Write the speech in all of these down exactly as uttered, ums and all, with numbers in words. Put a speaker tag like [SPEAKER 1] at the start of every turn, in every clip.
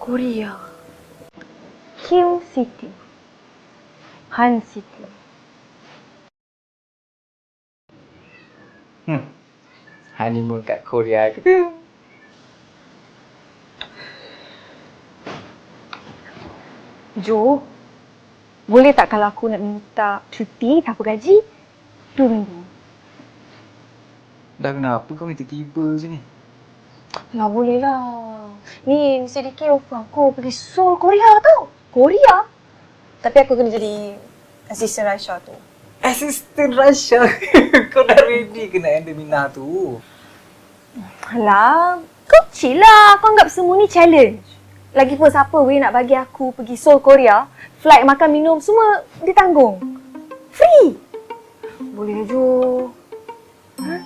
[SPEAKER 1] Korea. Kim City. Han City.
[SPEAKER 2] Hmm. Honeymoon kat Korea ke?
[SPEAKER 1] Jo, boleh tak kalau aku nak minta cuti tanpa gaji dua minggu?
[SPEAKER 2] Dah kenapa kau minta tiba macam ni?
[SPEAKER 1] Lah boleh lah. Ni sedikit offer aku pergi Seoul, Korea tau. Korea. Tapi aku kena jadi assistant Raisha tu.
[SPEAKER 2] Assistant Rasha. Kau dah ready ke nak handle Minah tu?
[SPEAKER 1] Alah, kau chill lah. Kau anggap semua ni challenge. Lagipun siapa weh nak bagi aku pergi Seoul, Korea, flight, makan, minum, semua ditanggung. Free. Boleh Jo. Huh?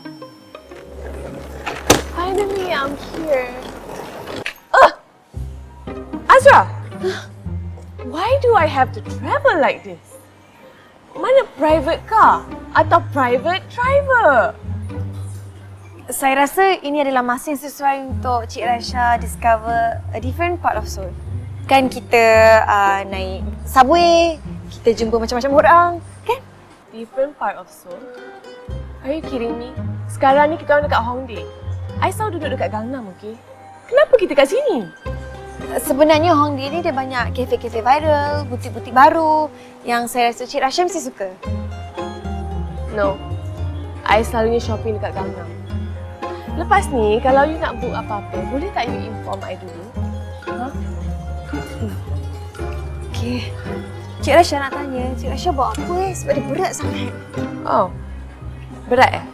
[SPEAKER 3] Finally, I'm here. Uh! Azra! Why do I have to travel like this? Mana private car atau private driver?
[SPEAKER 1] Saya rasa ini adalah masa yang sesuai untuk Cik Raisha discover a different part of Seoul. Kan kita uh, naik subway, kita jumpa macam-macam orang, kan?
[SPEAKER 3] Different part of Seoul? Are you kidding me? Sekarang ni kita orang dekat Hongdae. I selalu duduk dekat Gangnam, okey? Kenapa kita kat sini?
[SPEAKER 1] Sebenarnya Hongdae ni dia banyak kafe-kafe viral, butik-butik baru yang saya rasa Cik Raisha mesti suka.
[SPEAKER 3] No. I selalunya shopping dekat Gangnam. Lepas ni, kalau you nak book apa-apa, boleh tak you inform I dulu? Ha?
[SPEAKER 1] Hmm. Okey. Cik Raisha nak tanya, Cik Raisha bawa apa eh? Sebab dia berat sangat.
[SPEAKER 3] Oh. Berat eh?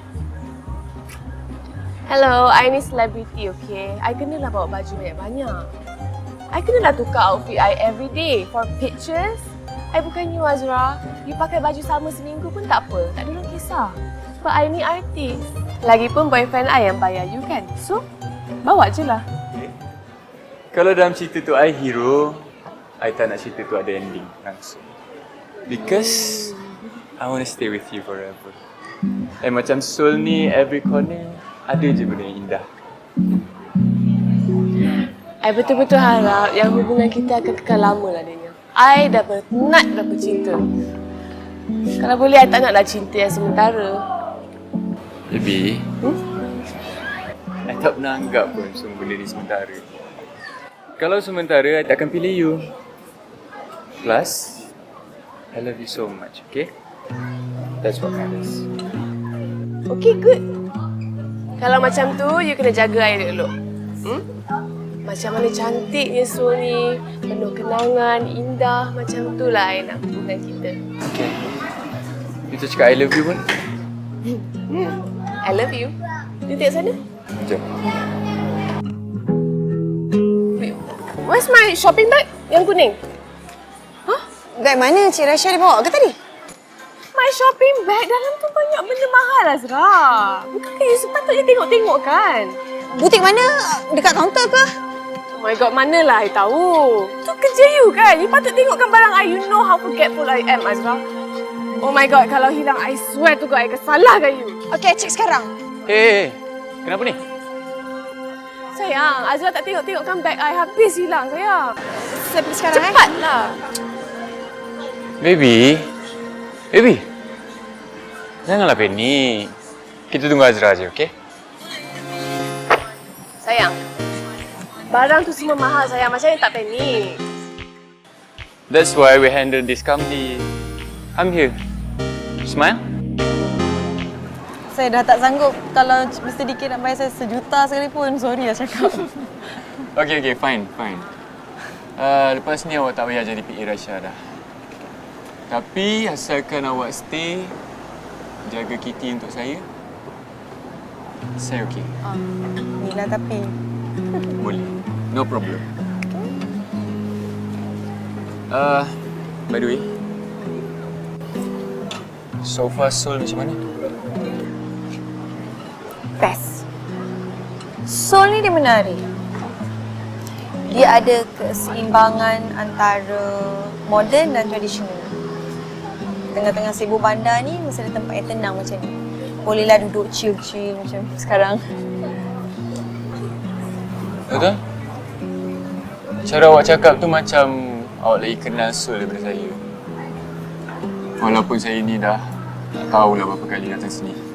[SPEAKER 3] Hello, I ni celebrity, okay? I kenalah bawa baju banyak-banyak. I kenalah tukar outfit I every day for pictures. I bukan you, Azra. You pakai baju sama seminggu pun tak apa. Tak ada orang kisah. Sebab I ni artis. Lagipun boyfriend I yang bayar you kan? So, bawa je lah.
[SPEAKER 2] Okay. Kalau dalam cerita tu I hero, I tak nak cerita tu ada ending langsung. Because I want to stay with you forever. And macam Seoul ni, every corner ada je benda yang indah.
[SPEAKER 3] I betul-betul harap yang hubungan kita akan kekal lama lah adanya. I dah penat dah bercinta. Kalau boleh, I tak naklah cinta yang sementara.
[SPEAKER 2] Baby, hmm? I tak pernah anggap pun semua benda ni sementara. Kalau sementara, I tak akan pilih you. Plus, I love you so much, okay? That's what matters.
[SPEAKER 3] Okay, good. Kalau macam tu, you kena jaga I dulu. Hmm? Macam mana cantiknya Seoul ni, penuh kenangan, indah. Macam tu lah I nak hubungan kita.
[SPEAKER 2] Okay. You tu cakap I love you pun?
[SPEAKER 3] I love you. You tengok sana.
[SPEAKER 2] Jom.
[SPEAKER 3] Wait, where's my shopping bag yang kuning?
[SPEAKER 1] Huh? Bag mana Cik Raisha dia bawa ke tadi?
[SPEAKER 3] My shopping bag dalam tu banyak benda mahal, Azra. Bukankah you sepatutnya tengok-tengok kan?
[SPEAKER 1] Butik mana? Dekat kaunter ke?
[SPEAKER 3] Oh my god, manalah I tahu. Tu kerja you kan? You patut tengokkan barang I. You know how forgetful I am, Azra. Oh my god, kalau hilang, I swear to God, I akan salahkan you.
[SPEAKER 1] Okey, cek sekarang.
[SPEAKER 2] Eh, hey, hey. Kenapa ni?
[SPEAKER 3] Sayang, Azra tak tengok-tengokkan bag I. Habis hilang, sayang.
[SPEAKER 1] Saya pergi sekarang, eh.
[SPEAKER 3] Cepatlah.
[SPEAKER 2] Baby. Baby. Janganlah panik. Kita tunggu Azra je, okey?
[SPEAKER 3] Sayang, barang tu semua mahal, sayang. Macam mana tak panik?
[SPEAKER 2] That's why we handle this calmly. I'm here. Smile.
[SPEAKER 1] Saya dah tak sanggup kalau Mister Dikir nak bayar saya sejuta sekalipun. Sorry lah cakap.
[SPEAKER 2] Okay, okay, fine, fine. Uh, lepas ni awak tak payah jadi P A Raisha dah. Tapi asalkan awak stay, jaga Kitty untuk saya, saya okey.
[SPEAKER 1] Um, ni lah tapi.
[SPEAKER 2] Boleh. No problem. Uh, by the way, so far Seoul macam mana?
[SPEAKER 1] Best. Seoul ni dia menarik. Dia ada keseimbangan antara moden dan tradisional. Tengah-tengah sibuk bandar ni mesti ada tempat yang tenang macam ni. Bolehlah duduk chill-chill macam sekarang.
[SPEAKER 2] Betul? Cara awak cakap tu macam awak lagi kenal Sul daripada saya. Walaupun saya ni dah tak tahulah berapa kali datang sini.